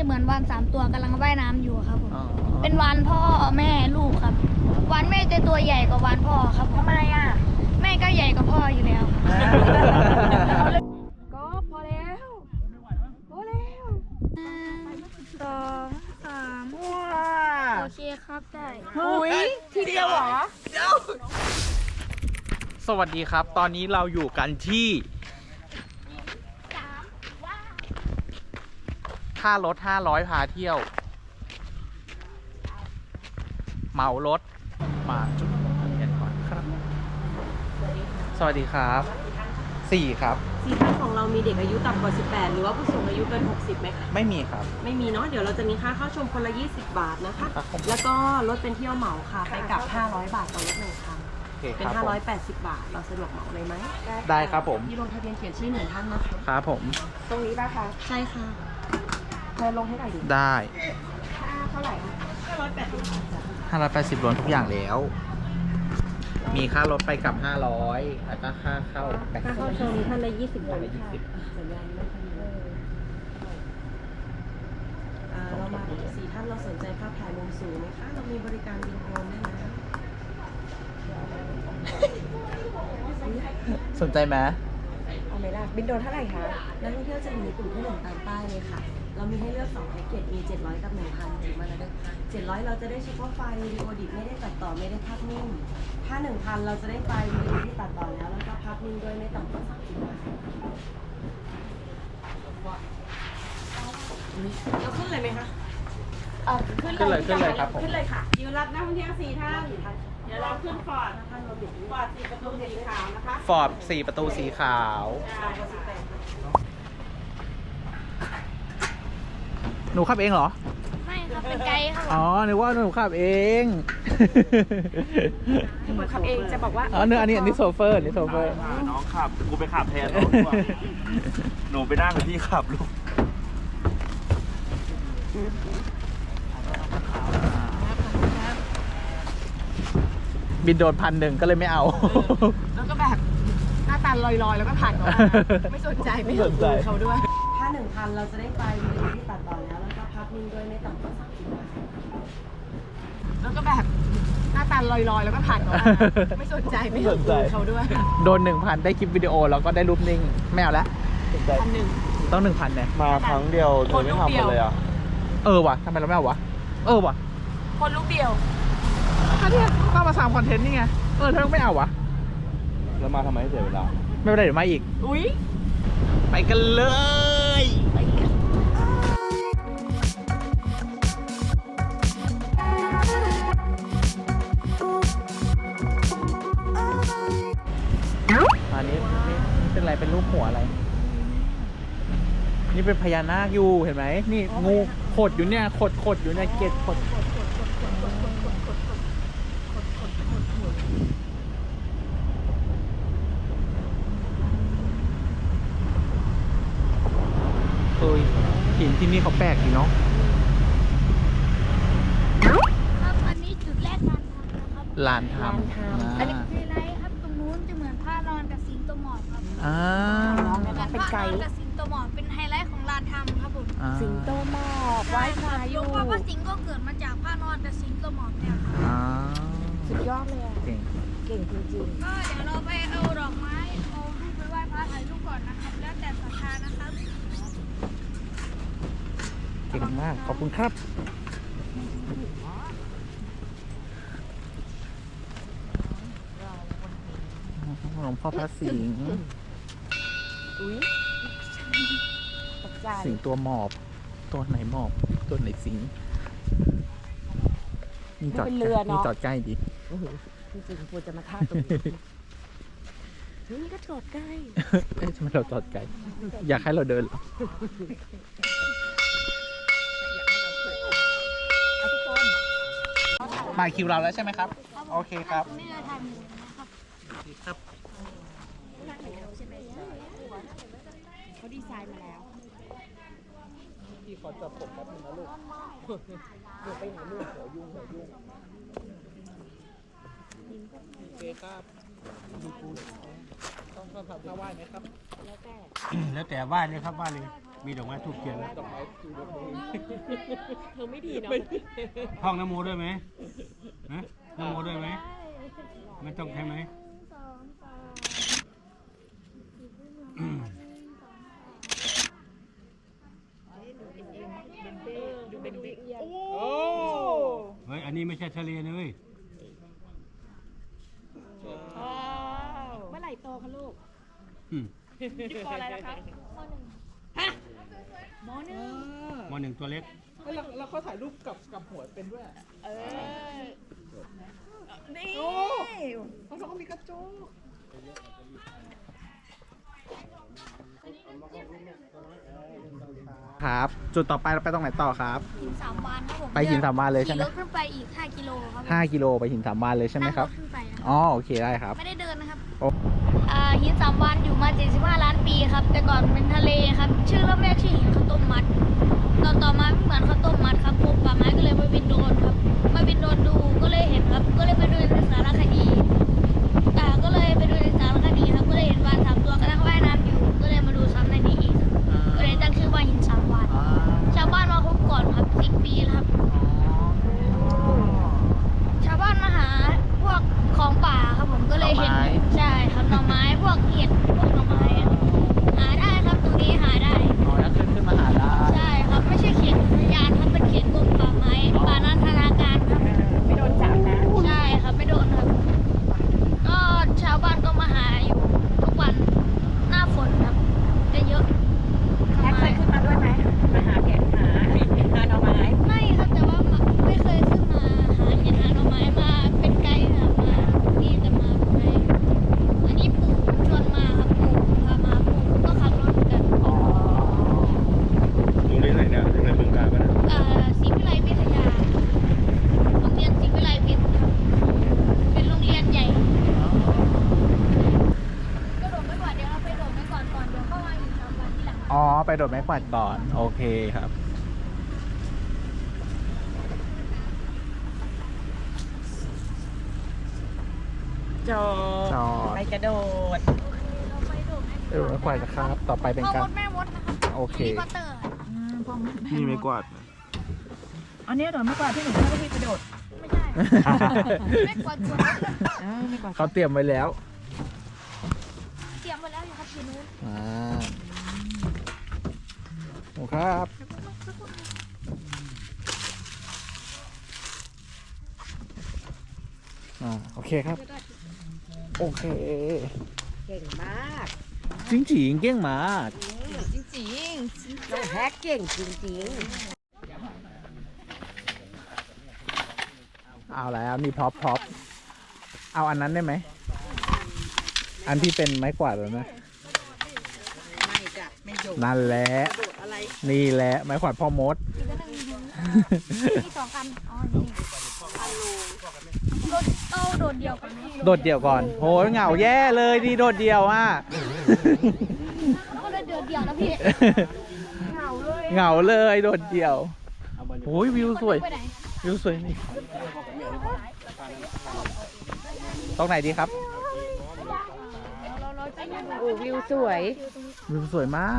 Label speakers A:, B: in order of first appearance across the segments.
A: เหมือนวาน3 ตัวกำลังว่ายน้ำอยู่ครับผมเป็นวานพ่อแม่ลูกครับวานแม่จะตัวใหญ่กว่าวานพ่อครับทำไมอ่ะแม่ก็ใหญ่กว่าพ่ออยู่แล้วก็พอแล้วพอแล้ว2 3โอเคครับได้
B: ทีเดียวเหรอสวัสดีครับตอนนี้เราอยู่กันที่ค่ารถ500พาเที่ยวเหมารถมาจุดลงทะเบียนก่อนครับสวัสดีครับ4ครับ
C: 4ท่านของเรามีเด็กอายุต่ำกว่า18หรือว่าผู้สูงอายุเกิน60ไหมคะ
B: ไม่มีครับ
C: ไม่มีเนาะเดี๋ยวเราจะมีค่าเข้าชมคนละ20 บาทนะคะแล้วก็รถเป็นเที่ยวเหมาค่ะไปกลับ500 บาทต่อรถ1 ครั้งเป็น580 บาทเราสะดวกเหมาเลยไหม
B: ได้ครับผม
C: ที่ลงทะเบียนเขียนชื่อ1 ท่านนะคะ
B: ครับผม
C: ตรงนี้ป่ะคะใช่ค่ะเธอลงให้หน่อยดิ
B: ได้
C: เท่าไหร่
B: 580รวมทุกอย่างแล้วมีค่ารถไปกลับ500แล้วก็ค่าเข้า
C: ชมท่านละ20 บาทค่ะสัญญาณไม่ทันเรามา4 ท่านเราสนใจภาพถ่ายมุมสูงไหมคะเรามีบริการบินโดรนด้วยนะ
B: สนใจไหม
C: เอาไหมล่ะบินโดรนเท่าไหร่คะนักท่องเที่ยวจะอยู่ในกลุ่มที่1ตามป้ายเลยค่ะเรามีให้เลือก2แพ็กเกจมี700กับ 1,000 ถึงมาแล้วได้700เราจะได้เฉพาะไฟล์วิดีโอดิบไม่ได้ตัดต่อไม่ได้ภาพนิ่งถ้า 1,000 เราจะได้ไฟล์วิดีโอที่ตัดต่อแล้วก็ภาพนิ่งด้วยไม่ต่ำกว่า30 บาทเราขึ้นเลยไหมคะ
B: ขึ้นเลยครับผม
C: ขึ้นเลยค่ะอยู่รับนักท่องเที่ยว4 ท่านเดี๋ยวเราขึ้นฟอร์ด4 ประตูสีขาวนะคะ
B: ฟอร์ด4 ประตูสีขาวหนูขับเองเหรอ
A: ไม่ครับเป็นไกด์ครับ
B: อ๋อนึกว่าหนูขับเอง
C: หนูขับเองจะบอกว่า
B: อ๋อเนื้ออันนี้โซเฟอร์นี่โซเฟอร์
D: น้องขับกูไปขับแทนน้องดีกว่าหนูไปนั่งกับพี่ขับลูก
B: บินโดน1,000ก็เลยไม่เอา
C: แล้วก็แบบหน้าตาลอยๆแล้วก็ผ่านเขาไม่สนใจไม่สนใจเขาด้วยถ้า 1,000 เราจะได้ไฟล์วิดีโอที่ตัดต่อแล้วก็ภาพนิ่งด้วยไม่ต่ำกว่า30 บาทแล้วก็แบบหน้าตาลอยๆแล้วก็ผ่านเขาไม่สนใจไม่สนใจเขาด้วย
B: โดน 1,000 ได้คลิปวิดีโอแล้วก็ได้รูปนิ่งไม่เอาแล้ว1,000ต้อง 1,000เนี่ย
D: มาครั้งเดียวเธอไม่ทำกันเลยอ่ะ
B: ว่ะทำไมเราไม่เอาวะว่ะ
C: คนลูกเดียว
B: ก็เนี่ยก็มา3คอนเทนต์นี่ไงเธอต้องไม่เอาวะ
D: แล้วมาทำไมให้เสียเวลา
B: ไม่เป็นไรเดี๋ยวมาอีก
C: อุ้ย
B: ไปกันเลยอันนี้เป็นอะไรเป็นรูปหัวอะไรนี่เป็นพญานาคอยู่เห็นไหมนี่งูขดอยู่เนี่ยขดอยู่เนี่ยเกล็ดขดหินที่นี่เขาแปลกดีเนาะ
A: ครับอันนี้จุดแรก
B: ลานทำ
A: อันนี้ไฮไลท์ครับตรงนู้นจะเหมือนผ้านอนกับสิงโตหมอบครับ
C: เป็นไกด์
A: กับสิงโตหมอบเป็นไฮไลท์ของลานทำครับผม
C: สิงโตหมอบไว้พายุ
A: เพราะว่าสิงก็เกิดมาจากผ้านอนกับสิงโตหมอบเนี่ยครับ
C: สุดยอดเลยอ่ะเก่งจริง
A: ๆก็เดี๋ยวเราไปเอาดอกไม้เอารูปไปไหว้พระถ่ายรูปก่อนนะครับแล้วแต่ศรัทธานะครับ
B: เก่งมากขอบคุณครับหลวงพ่อพระสิงห์สิงตัวหมอบตัวไหนหมอบตัวไหนสิงนี่จอดใกล้ดิ
C: จริงๆควรจะมาท่าตรงนี้นี่ก็จอดใกล้
B: ทำไมเราจอดไกลอยากให้เราเดินมาคิวเราแล้วใช่ไหมครับโอเคครับครับ
C: เขาดีไซน์มาแล้ว
B: พี่ขอจับผมแป๊บนึงนะลูกเดี๋ยวไปไหนลูกหัวยุ่งโอเคครับดูกูต้องทำท่าไหว้ไหมครับ
D: แล้วแต่ไหว้เลยครับไหว้เลยมีดอกไม้ทูบเทียนแล้วดอกไม้
C: เธอไม่ดีเนาะ
E: ท่องนโมด้วยไหมฮะนโมด้วยไหมไม่ต้องใช่ไหม เฮ้ย อันนี้ไม่ใช่ทะเลนะเว้ย
C: เมื่อไหร่โตคะลูก
E: อืม
C: อยู่ปออะไรแล้วคะมหนึ่ง
E: มหนึ่งตัวเล็ก
B: แล้วเขาถ่ายรูปกับหัวเป็นด้วย
C: นี่
B: เขาก็มีกระจกครับ จุดต่อไปเราไปตรงไหนต่อครับ
A: หินสามวานครับผม
B: ไปหินสามวานเลยใช่ไหม
A: ขี่รถขึ้นไปอีก 5 กิโลครับผม
B: 5 กิโลไปหินสามวานเลยใช่ไหมครับ
A: นั่งถขึ้นไปนะ
B: อ๋อโอเคได้ครับ
A: ไม่ได้เดินนะครับ
B: โอ้
A: หินสามวานอยู่มา 75 ล้านปีครับ แต่ก่อนเป็นทะเลครับ ชื่อเริ่มแรกชื่อหินข้าวต้มมัดต่อมาไม่เหมือนข้าวต้มมัดครับป่าไม้ก็เลยมาบินโดรนครับมาบินโดรนดูก็เลยเห็นครับ ก็เลยไปดูในสารคดีก็เลยไปดูในสารคดีครับ ก็เลยเห็นวาน3 ตัวกำลังว่ายน้ำอยู่ ก็เลยมาดูซ้ำในนี้อีกครับก็เลยตั้งชื่อว่าหินสามวานชาวบ้านมาพบก่อนครับ10 ปีแล้วครับ ชาวบ้านมาหาพวกของป่าครับผมก็เลยเห็น
B: หน่อไม้
A: ใช่ครับหน่อไม้พวกเห็ดพวกหน่อไม้อะหาได้ครับตรงนี้หาได้
B: อ๋อแล้วขึ้นมาหาได้
A: ใช่ครับไม่ใช่เขตอุทยานครับเป็นเขตกรมป่าไม้ป่านันทนาการครับ
C: ไม่โดนจับนะ
A: ใช่ครับไม่โดนครับ ก็ชาวบ้านก็มาหาอยู่ทุกวันหน้าฝนครับจะเยอะ
C: แท็กเคยขึ้นมาด้วยไหมมาหาแกะหาหน่อไม้
A: ไม่ครับแต่ว่าไม่เคยขึ้นมาหาเห็ดหาหน่อไม้มาเป็นไกด์ครับมาที่จะมาเป็นไกด์อันนี้ปู่ผมชวนมาครับปู่พามาปู่ก็ขับรถเหมือนกัน
D: โรงเรียนไหนเนี่ยโรงเรียนบึงกาฬปะเนี่ย
A: ศรีวิไลวิทยาโรงเรียนศรีวิไลวิทย์ครับเป็นโรงเรียนใหญ่ก็โดดไม่กว่าเดี๋ยวเราไปโดดไม่ก่อนเดี๋ยวเข้ามาอีกสามวันที่หลัง
B: อ๋อไปโดดไม้กวาดก่อนโอเคครับ
C: จอ
B: จอด
C: ไปกระโดด
A: เราไปโดดไม่
B: ไปโดดไม้กวาดนะครับ ต่อไปเป็น
A: พ่อ
B: การ
A: มดแม่มดนะครับ
B: โอเค
A: แฮร์รี่พอตเตอร์
D: นี่ไม่กวาด
C: อันนี้โดดไม่กว่าที่หนูชอบที่กระโดด
A: ไม่ใช่ไม่กวาดตัว
C: ไม่กว่า
B: เขาเตรียมไว้แล้ว
A: เตรียมไว้แล้วอยู่ครับทีนู้น
B: โอ้ครับโอเคครับ โอเค
C: เก่งมาก
B: จริงจริงๆเก่งมาก
C: จริงๆน้องแฮกเก่งจริง
B: เอาแล้วมีพร็อพเอาอันนั้นได้ไหม อันที่เป็นไม้กวาดแล้วนะ
C: ๆไม่จ้ะไม่โดด
B: นั่นแหละ
C: โดดอะไร
B: นี่แหละไม้กวาดพ่อมด
A: อีกอันหนึ่งมี2 อันอ๋อนี่โดดเดียวกันไหม
B: โดดเดี่ยวก่อนโหยเหงาแย่เลยดีโดดเดี่ยวอ่ะ
A: ก็เลยโดดเดียวนะพี่
B: เหงาเลยโดดเดี่ยวโอ้ยวิวสวย
A: ไปไหน
B: วิวสวยนี่ตรงไหนดีครับ
A: เราจะอยู่
C: โอ้วิวสวย
B: วิวสวยมาก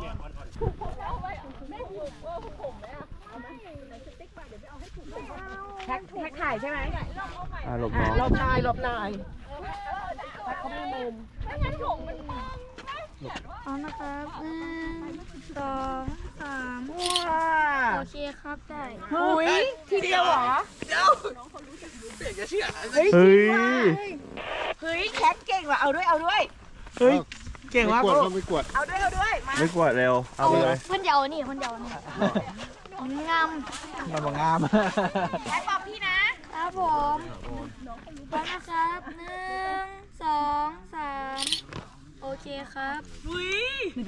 C: แท็กถ่ายใช่ไหม
B: หลบน้อง
C: หลบนายหลบนายแท็กเขาไม่มุม
A: พร้อมนะครับ1 2 3
C: ว้า
A: โอเคครับได้
C: หุยทีเดียวเหรอ
B: เฮ้ย
C: เฮ้ยแท็กเก่งว่ะเอาด้วยเอาด้วย
B: เฮ้ยเก่งมาก
E: ไม่กวด
B: ลู
E: ก็
B: ก
E: ไม่กวด
C: เอาด้วยเอาด้วยมา
D: ไม่กวาดเร็ว เอาไปเลย
A: คนเดียวนี่คนเดียวนี่งาม
B: มันบ่งาม
C: แท็กบอกพี่นะครับ
A: ผมพร้อมนะครับ1 2 3โอเคครับ
C: หุย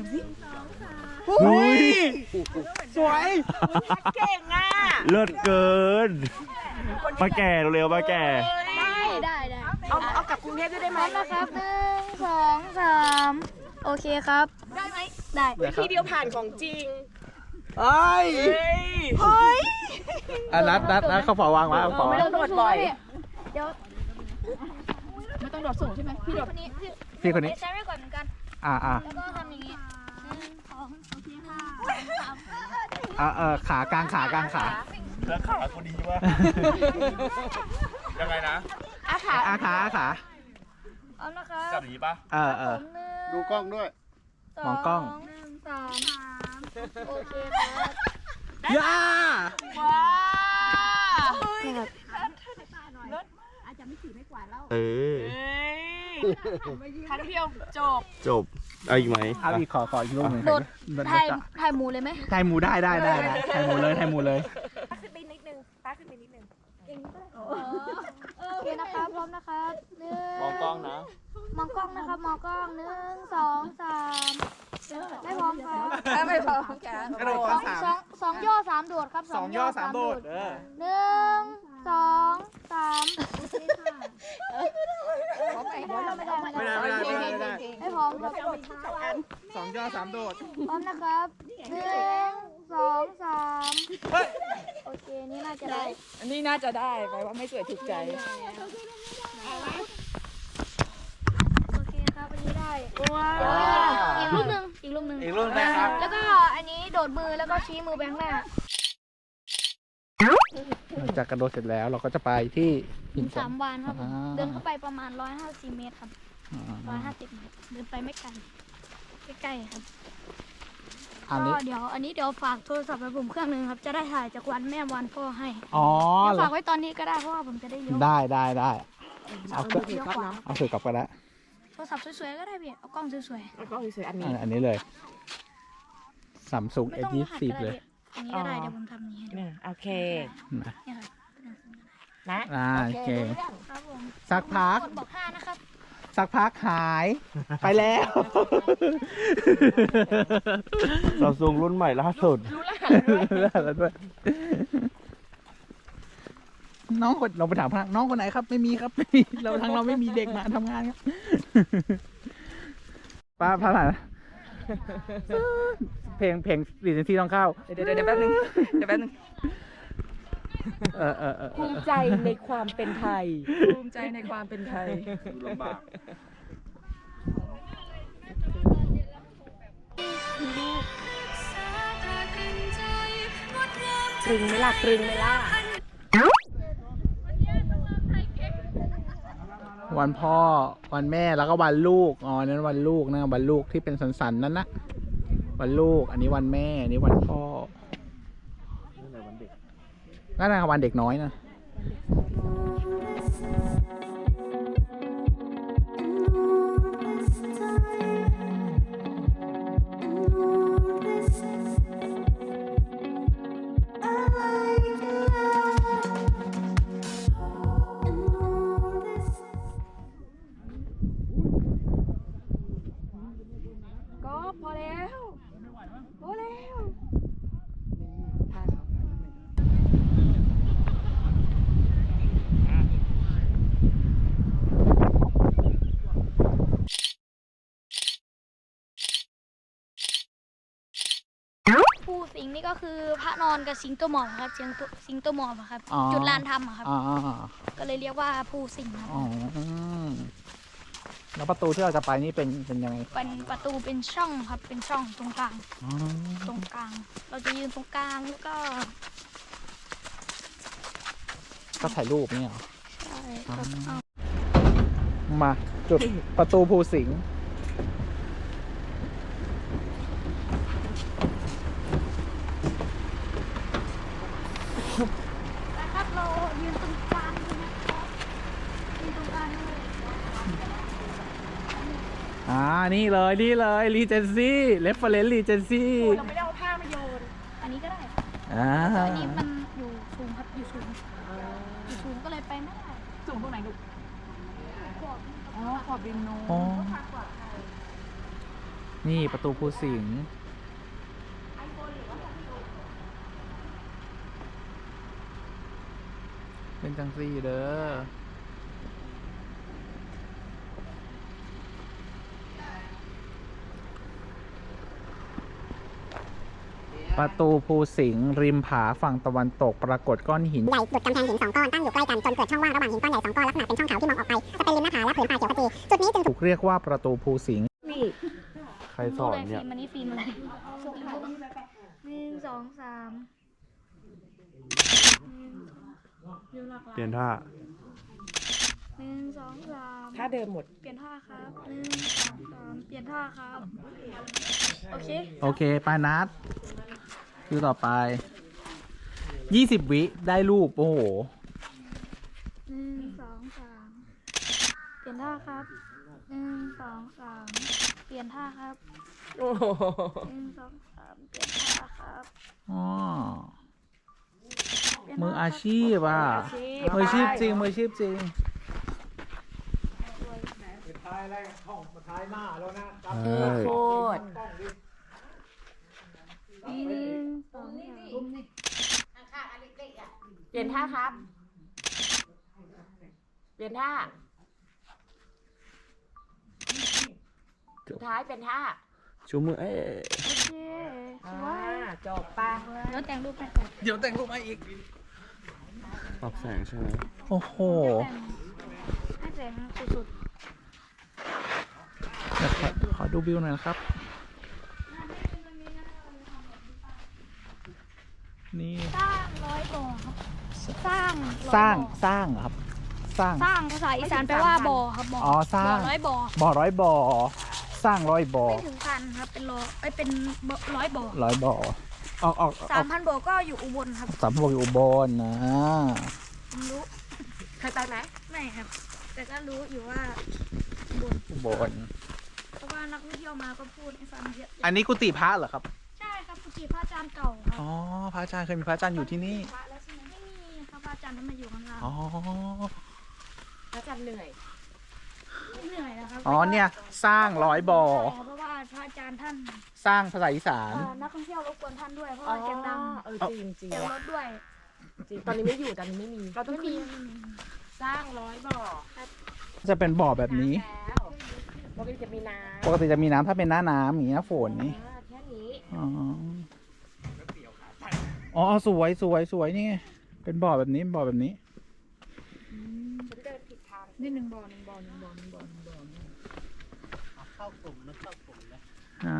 B: อุ้ย
C: สวยแท็กเก่งอ่ะ
D: เลิศเกิน มาแก่เร็วมาแก่
A: ได้
C: เอากลับกรุงเทพด้วยได้ไห
A: พ
C: ม
A: ร้อมนะครับ1 2 3โอเคครับได้ไหมได้
C: ทีเดียวผ่านของจริง
B: เอ้ย
C: เฮ้ย
B: อ่ะนัดเขาฝาวางไว้เอาฝา
C: ไม่ต้องโดดบ่อย
A: เดี๋ยว
C: ไม่ต้องโดดสูงใช่ไหมพี่โดด
A: คนนี้
B: พี่คนนี้
A: ใช้ไม่ก่อนเหมือนกัน
B: อ่า
A: แล้วก็ทำอย่างนี้1
B: ขากลางขา
D: แล้วขากูดีวะยังไงนะ
B: ขา
A: เอาละครับ
D: จับอย่างนี้ปะ
E: ดูกล้องด้วย
B: มองกล้อง
A: 1 2 3โอเคครับ
B: ย่า
D: เออ
C: ครั้งเดียวจบ
D: จบเอาอีกไหม
B: เอาอีกขออีกรูปหนึ่ง
A: โดดถ่ายหมูเลยไหม
B: ไทยหมูได้ไทยหมูเลย
C: ขึ้นไปนิดนึงป้าขึ้นไปนิดนึง
A: โอเคนะครับพร้อมนะครับหนึ่
D: มองกล้องนะ
A: มองกล้องนะครับมองกล้อง1 2 3ไม่พร้อมครับ
C: ไม่พอจ้ะ
B: กระโดดสาม
A: สองย่อ3โดดครับ
B: สองย่อสามโดด
A: 1 2 3ไม่พร้อมครับ
B: สองย่อสามโดด
A: พร้อมนะครับ1 2 3โอเคนี่น่าจะได้
C: อันนี้น่าจะได้ไปว่าไม่สวยถูกใจ
A: โอเคครับอันนี้ได้ว้าวอีกรูปหนึ่ง
B: อีกรูปนะครับ
A: แล้วก็อันนี้โดดมือแล้วก็ชี้มือไปข้างหน้า
B: หลังจากกระโดดเสร็จแล้วเราก็จะไปที่หิน
A: 3 วันครับผม
B: อ่า
A: เดินเข้าไปประมาณ150 เมตรครับ150 เมตรเดินไปไม่ไกลใกล้ๆครับ
B: อันนี้
A: ก็เดี๋ยวฝากโทรศัพท์ไว้ผมเครื่องนึงครับจะได้ถ่ายจากวันแม่วันพ่อให้
B: อ๋อ
A: เดี๋ยวฝากไว้ตอนนี้ก็ได้เพราะว่าผมจะได้เลี้ยว
B: ได้เอาเ
A: เลี้ยวขวา
B: เอาสื่อกลับก็ได้
A: โทรศัพท์สวยๆก็ได้พี่เอากล้องสวย
C: แล้วก็สวยๆอันนี้
B: อันนี้เลยซัมซุง
A: ๆไม่ต้องรหัส
B: S20
A: ก็ได้
B: เลย
A: พี่อันนี้ก็ได้เดี๋ยวผมทำนี้ให้ดู
C: เนี่ยโอเค
B: นะ
A: เนี่ยครับ
C: นะ
B: โอเค
A: ครับผม
B: สักพัก
A: คนบอก5นะครับ
B: สักพักหายไปแล้ว
D: ซัมซุงรุ่นใหม่ล่าสุด
B: แล้วด้วยน้องคนเราไปถามพนักน้องคนไหนครับ ไม่มีครับไม่มีเราไม่มีเด็กมาทำงานครับป้าพนักเพลงรีเจนซี่ต้องเข้า
C: เดี๋ยวแป๊บนึงภูมิใจในความเป็นไทย ภูมิใจในความเป็นไทย
D: ลำบาก
C: ตรึงไหมล่ะตรึงไหมล่ะ
B: วันพ่อวันแม่แล้วก็วันลูกอ๋อนั้นวันลูกนะวันลูกที่เป็นสันๆนั้นนะวันลูกอันนี้วันแม่อันนี้วันพ่อนั่นนะวันเด็กน้อยนะ
C: ก็พอแล้วพอแล้ว
A: ผู้สิงห์นี่ก็คือพระนอนกับสิงโตหมอบครับสิงโตหมอบอะครับ
B: อ๋อ
A: จุดลานธรรมอะครับ
B: อ๋อ
A: ก็เลยเรียกว่าผู้สิงห์ครับ
B: อ๋อแล้วประตูที่เราจะไปนี่เป็นยังไง
A: เป็นประตูเป็นช่องครับเป็นช่องตรงกลาง
B: อ๋อ
A: ตรงกลาง เราจะยืนตรงกลางแล้วก็
B: ก็ถ่ายรูปเนี่ยเหรอ
A: ใช่ครับเอา
B: มาจุดประตูภูสิงห์
A: นะครับเรายืนตรงกลางเลยนะครับยืนตรงกลางเลย
B: นี่เลยรีเจนซี่เรฟเฟอเรนซ์รีเจนซี่
C: เราไม่ได้เอาผ้ามาโยน
A: อันนี้ก็ได้ อันนี้มันอยู่สูงครับอยู่สูงก็เลยไปไม่ได้
C: สูงตรงไหนลูกอ๋อขอบบินโน
B: อ๋อนี่ประตูภูสิงห์เป็นจังซี่เด้อประตูภูสิงห์ริมผาฝั่งตะวันตกปรากฏก้อนหิน
F: ใหญ่ดุดกำแพงหิน2 ก้อนตั้งอยู่ใกล้กันจนเกิดช่องว่างระหว่างหินก้อนใหญ่2 ก้อนลักษณะเป็นช่องเขาที่มองออกไปจะเป็นริมหน้าผาและผืนป่าเขียวขจีจุดนี้จึง
B: ถูกเรียกว่าประตูภูสิงห์
C: นี่
B: ใคร
D: รสอนเนี่ย
A: ฟิล์มอันนี้ฟิล์มอะไรหนึ่งสองสาม
D: เปลี่ยนท่า
A: หนึ่งสองสาม
C: ถ้าเดิมหมด
A: เปลี่ยนท่าครับหนึ่งสองสามเปลี่ยนท่าครับโอเค
B: โอเคไปนัดคิวต่อไป 20 วิได้รูป โอ้โห
A: หนึ่งสองสามเปลี่ยนท่าครับหนึ่งสองสามเปลี่ยนท่าครับ
C: โอ้โห
A: หนึ่งสองสามเปลี่ยนท่าครับ
B: อ๋อ
A: เปลี่ยน
B: มือ
A: ท่
B: อาชีพอ่ะ มืออาชีพจริง มืออาชีพจริง
C: โคตร
A: หนึ่งสองสาม
C: เปลี่ยนท่าครับ เปลี่ยนท่า สุดท้ายเป็นท่า
D: ชูมือเอ๊ะ
A: โอเคสวย
C: จบปะ
A: เดี๋ยวแต่งรูปให้ก่อน
B: เดี๋ยวแต่งรูปมาอีก
D: ปรับแสงใช่ไหม
B: โอ้โห
A: ให้แต่งสุด
B: เดี๋ยวขอดูวิวหน่อยนะครับ นี่
A: ๆสร้างร้อยบ่อครับสร้าง
B: สร้าง
A: 100บ่อ
B: สร้างเหรอครับ สร้าง
A: สร้างภาษาอีสานแปลว่าบ่อครับบ่อ
B: อ๋อสร้าง
A: บ่อร้อยบ่อ
B: บ่อร้อยบ่อ สร้างร้อยบ่อ
A: ไม่ถึงพันครับเป็นเป็นร้อยบ่อ
B: ร้อยบ่อ ออก
A: 3,000บ่อก็อยู่อุบลครับ
B: สามบ่ออยู่อุบลนะ
A: ผมรู้
C: เคยไปไหม
A: ไม่ครับ แต่ก็รู้อยู่ว่าอุบล
B: อุบล
A: เพราะว่านักท่องเที่ยวมาก็พูดให้ฟังเยอะ
B: อันนี้กุฏิพระเหรอครับ
A: ใช่ครับกุฏิพระอาจารย์เก่าครับ
B: อ๋อ พระอาจารย์เคยมีพระอาจารย์อยู่ที่นี่
A: พระแล้วใช่ไหมไม่มีครับพระอาจารย์ท่านมาอยู่ข้างล่าง
B: อ๋อ
C: พระจันทร์เหนื่อย
A: ไม่เหนื่อยนะครับ
B: อ๋อเนี่ยสร้างร้อยบ่อ
A: ใช่ครับเพราะว่าพระอาจารย์ท่าน
B: สร้างภาษาอีสาน
A: นักท่องเที่ยวรบกวนท่านด้วยเพราะว่าเสียงดัง
C: จริงจริง
A: เสียงรถด้วย
C: จริง ตอนนี้ไม่อยู่ ตอนนี้ไม่มี เราต้อง
A: ไม่
C: ขึ้
A: มี
C: นสร้าง100 บ่อ
B: จะเป็นบ่อแบบนี้
C: แล้วปกติจะมีน้ำ
B: ปกติจะมีน้ำถ้าเป็นหน้าน้ำอย่างนี้หน้าฝนนี่
C: แค่นี้
B: อ๋อ อ๋อ สวยสวยสวยนี่ไงเป็นบ่อแบบนี้บ่อแบบนี้
C: ฉันเดินผิดทาง
A: นี่หนึ่งบ่อ
B: อ่า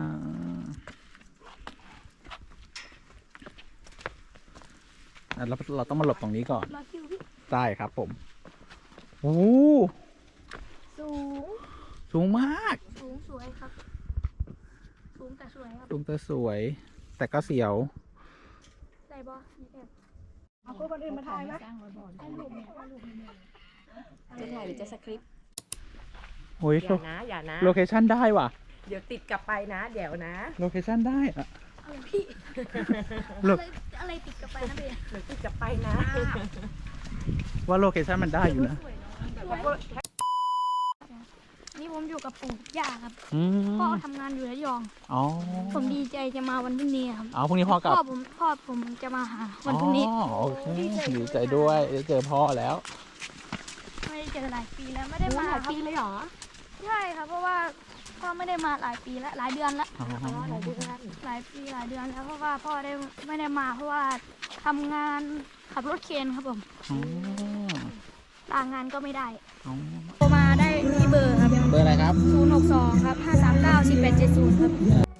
B: เราต้องมาหลบตรงนี้ก่อน
A: มาคิวพี่
B: ได้ครับผม โอ้
A: สูง
B: สูงมาก
A: สูงสวยครับ สูงแต่สวยครับ
B: สูงแต่สวย แต่ก็เสียว
A: ใส่บอนี่แอบ
C: เอาคนอื่นมาถ่ายไหม
A: ให้รูปเนี่ยให้รูปเนี่ย
C: จะถ่ายหรือจะสคริปต์
B: โอ้ย
C: อย่านะ อย่านะ
B: โลเคชั่นได้ว่ะ
C: เดี๋ยวติดกลับไปนะ เดี๋ยวนะ
B: โลเคชั่นได้อะ
A: อะไรพี่
B: โล
A: อะไรติดกับไปนะพี่
C: เดี๋ยวติดกลับไปนะ
B: ว่าโลเคชั่นมันได้อยู่นะ
A: นี่ผมอยู่กับปู่ย่าครับ
B: อืม
A: พ่อทำงานอยู่ระยอง
B: อ๋อ
A: ผมดีใจจะมาวันพรุ่งนี้ครับ
B: เอาพรุ่งนี้พ่อกลับ
A: พ่อผมจะมาหาวันพรุ่งนี้
B: อ๋อโอเคดีใจด้วยได้เจอพ่อแล้ว
A: ไม่ได้เจอหลายปีแล้วไม่ได้มา
C: หลาย
A: ครับ
C: ปีเลยเหรอ
A: ใช่ครับเพราะว่าพ่อไม่ได้มาหลายปีแล้วหลายเดือนแล้ว
B: อ๋อ
C: หลายเดือน
A: หลายปีหลายเดือนแล้วเพราะว่าพ่อไม่ได้มาเพราะว่าทำงานขับรถเคนครับผม
B: อ๋อ
A: ลางานก็ไม่ได้
B: อ๋อ
A: โทรมาได้ที่เบอร์ครับ
B: เบอร์อะไรครับ
A: 062ครับ539 4870ครับ